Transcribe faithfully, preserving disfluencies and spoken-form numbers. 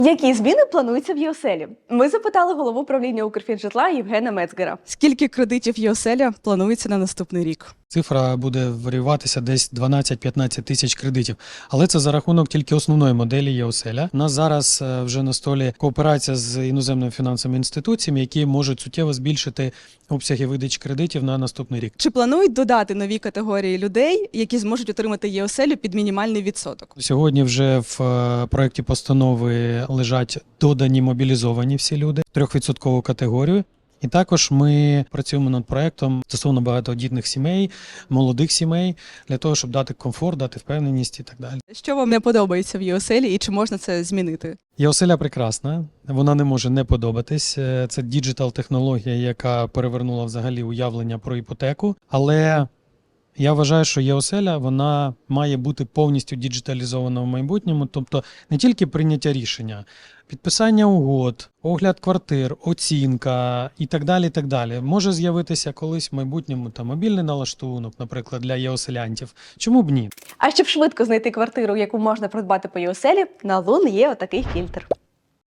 Які зміни плануються в ЄОСЕЛі? Ми запитали голову управління Укрфінжитла Євгена Мецгера. Скільки кредитів ЄОСЕЛя планується на наступний рік? Цифра буде варіюватися десь дванадцять-п'ятнадцять тисяч кредитів. Але це за рахунок тільки основної моделі ЄОСЕЛя. У нас зараз вже на столі кооперація з іноземними фінансовими інституціями, які можуть суттєво збільшити обсяги видачі кредитів на наступний рік. Чи планують додати нові категорії людей, які зможуть отримати ЄОСЕЛю під мінімальний відсоток? Сьогодні вже в проєкті постанови лежать додані мобілізовані всі люди, трьохвідсоткову категорію. І також ми працюємо над проєктом стосовно багатодітних сімей, молодих сімей, для того, щоб дати комфорт, дати впевненість і так далі. Що вам не подобається в ЄОСЕлі і чи можна це змінити? ЄОСЕля прекрасна, вона не може не подобатись. Це діджитал-технологія, яка перевернула взагалі уявлення про іпотеку, але я вважаю, що ЄОСЕля, вона має бути повністю діджиталізована в майбутньому, тобто не тільки прийняття рішення, підписання угод, огляд квартир, оцінка і так далі, і так далі. Може з'явитися колись в майбутньому там мобільний налаштунок, наприклад, для єоселянтів. Чому б ні? А щоб швидко знайти квартиру, яку можна придбати по ЄОСЕлі, на Лун є отакий фільтр.